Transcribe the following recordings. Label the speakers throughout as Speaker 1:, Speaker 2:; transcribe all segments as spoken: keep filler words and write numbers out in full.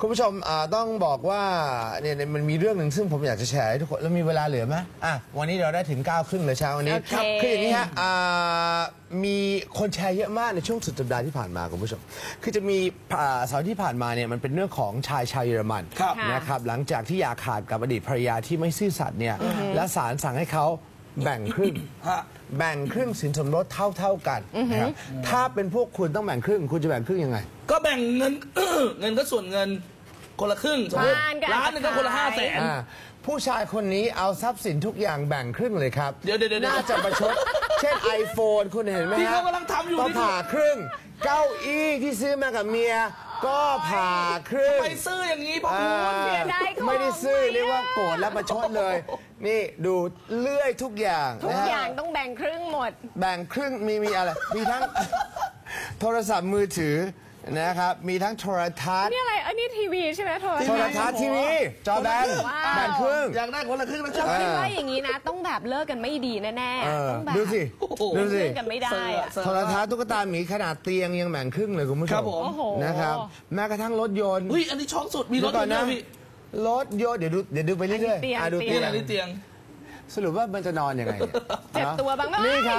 Speaker 1: คุณผู้ชมต้องบอกว่าเนี่ยมันมีเรื่องหนึ่งซึ่งผมอยากจะแชร์ให้ทุกคนแล้วมีเวลาเหลือไหมอ่ะวันนี้เราได้ถึงเก้าครึ่งเลยเช้าวันนี้ครับคืออย่างนี้ฮะมีคนแชร์เยอะมากในช่วงสุดสัปดาห์ที่ผ่านมาคุณผู้ชมคือจะมีเสาร์ที่ผ่านมาเนี่ยมันเป็นเรื่องของชายชาวเยอรมันนะครับหลังจากที่อย่าขาดกับอดีตภรรยาที่ไม่ซื่อสัตย์เนี่ยและศาลสั่งให้เขาแบ่งครึ่งแบ่งครึ่งสินสมรสเท่าๆกันนะครับถ้าเป็นพวกคุณต้องแบ่งครึ่งคุณจะแบ่งครึ่งยังไง
Speaker 2: ก็แบ่งเงิน เงินก็ส่วนเงินคนละครึ่งสมมติล้านนึงก็คนละห้าแสน
Speaker 1: ผู้ชายคนนี้เอาทรัพย์สินทุกอย่างแบ่งครึ่งเลยครับ
Speaker 2: เดี๋ยวเดี๋ยว
Speaker 1: น่าจะประชดเช่น iPhone คุณเห็นไหมฮะ
Speaker 2: ที่เขากำลังทำอยู่
Speaker 1: ก็ผ่าครึ่งเก้าอี้ที่ซื้อมากับเมียก็ผ่าครึ่ง
Speaker 2: ไปซื้ออย่างนี้พ่อคุณ
Speaker 1: ไม่ได้ซื้อเรียกว่าโกรธและประชดเลยนี่ดูเลื่อยทุกอย่าง
Speaker 3: ทุกอย่างต้องแบ่งครึ่งหมด
Speaker 1: แบ่งครึ่งมีมีอะไรมีทั้งโทรศัพท์มือถือนะครับมีทั้งโทรทัศน์
Speaker 3: นี่อะไรอันนี้ทีวีใช่ไหมโทร
Speaker 1: ทัศน์ทีวีจอแบนแบ่งครึ่ง
Speaker 2: อยากได้คนละครึ่งนะ
Speaker 3: ชอบคิดว่าอย่างนี้นะต้องแบบเลิกกันไม่ดีแน่ๆต้องแบบ
Speaker 1: ดูสิดูสิ
Speaker 3: เลิกกันไม่ได้
Speaker 1: โทรทัศน์ตุ๊กตาหมีขนาดเตียงยังแบ่งครึ่งเลยคุณผู้ชมนะครับแม้กระทั่งรถยนต์
Speaker 2: อุ้ยอันนี้ช็อกสุดมีรถยนต์ด้วยพี่
Speaker 1: รถยนต์เดี๋ยวดูเดี๋ยวดูไปเรื่อย
Speaker 3: ๆ
Speaker 1: ดู
Speaker 2: เตียงอันนี้เตียง
Speaker 1: สรุปว่ามันจะนอนยังไง
Speaker 3: เจ็บตัวบ้างไหม
Speaker 1: นี่ครับ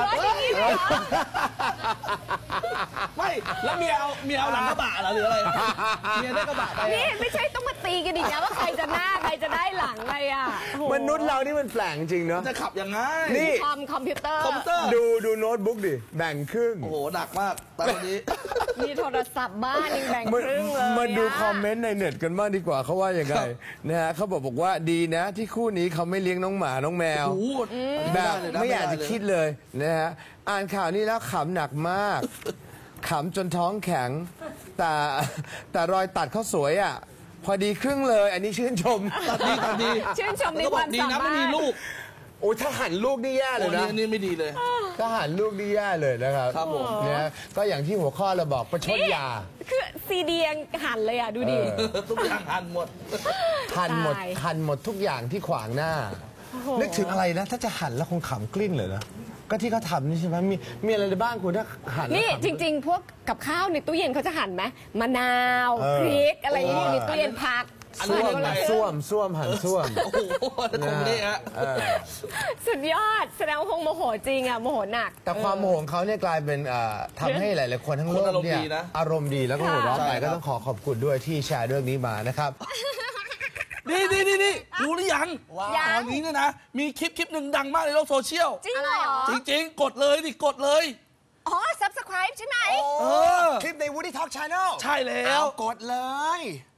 Speaker 2: ไม่แล้วเมียเอาเมียเอาหลังกระบะเหรอหรืออะไรเมียได้กระบะไป
Speaker 3: นี่ไม่ใช่ต้องมาตีกันอีกนะว่าใครจะหน้าใครจะได้หลังอะไรอ่ะ
Speaker 1: มนุษย์เรานี่มันแปลกจริงเนาะ
Speaker 2: จะขับยังไง
Speaker 1: นี่
Speaker 3: คอมคอมพิวเตอร์
Speaker 1: ดูดูโน้ตบุ๊กดิแบ่งครึ่ง
Speaker 2: โอ้โหหนักมากตอนนี้
Speaker 3: มีโทรศัพท์บ้านยังแบ่งครึ่งเลย
Speaker 1: มาดูคอมเมนต์ในเน็ตกันบ้างดีกว่าเขาว่ายังไงนะฮะเขาบอกบอกว่าดีนะที่คู่นี้เขาไม่เลี้ยงน้องหมาน้องแมวแบบไม่อยากจะคิดเลยนะฮะอ่านข่าวนี้แล้วขำหนักมากขำจนท้องแข็งแต่แต่รอยตัดเขาสวยอ่ะพอดีครึ่งเลยอันนี้ชื่นชม
Speaker 2: ตัดดีตัดดี
Speaker 3: ชื่นชมในความสามารถ
Speaker 2: ดีนะไม่มีลูก
Speaker 1: โอ้ถ้าหันลูกนี่แย่เลยนะ
Speaker 2: นี่ไม่ดีเลย
Speaker 1: ถ้าหันลูกนี่แย่เลยนะครับ
Speaker 2: ครับผม
Speaker 1: เนี่ยก็อย่างที่หัวข้อเราบอกประชดยา
Speaker 3: คือซีดียังหันเลยอ่ะดูดิ
Speaker 2: ทุกอย่างหันหมด
Speaker 1: หันหมดหันหมดทุกอย่างที่ขวางหน้านึกถึงอะไรนะถ้าจะหั่นแล้วคงขำกลิ้นเลยนะก็ที่เขาทำนี่ใช่ไหมมีมีอะไรในบ้านคุณถ้าหั่น
Speaker 3: นี่จริงๆพวกกับข้าวในตู้เย็นเขาจะหั่นไหมมะนาวพริกอะไรอย่างนี้ในตู้เย็นผัก
Speaker 1: ส้วมส้วมส้วมหั่นส้วม
Speaker 2: โอ้โหคงนี่ฮะ
Speaker 3: สุดยอดแสดงว่าคงโมโหจริงอ่ะโมโหหนัก
Speaker 1: แต่ความโมโหของเขาเนี่ยกลายเป็นทำให้หลายๆคนทั้งโลกเนี่ยอารมณ์ดีแล้วก็หัวเราะไปก็ต้องขอขอบคุณด้วยที่แชร์เรื่องนี้มานะครับ
Speaker 2: นี่นี่นี่นี่รู้หรือยังตอนนี้เนี่ยนะมีคลิปคลิปหนึ่งดังมากในโลกโซเชียล
Speaker 3: จริงเหรอ
Speaker 2: จริงๆกดเลยดิกดเลย
Speaker 3: อ๋อ ซับสไครบ์ ใช่ไหม
Speaker 1: คลิปใน Woody Talk Channel
Speaker 2: ใช่แล้ว
Speaker 1: กดเลย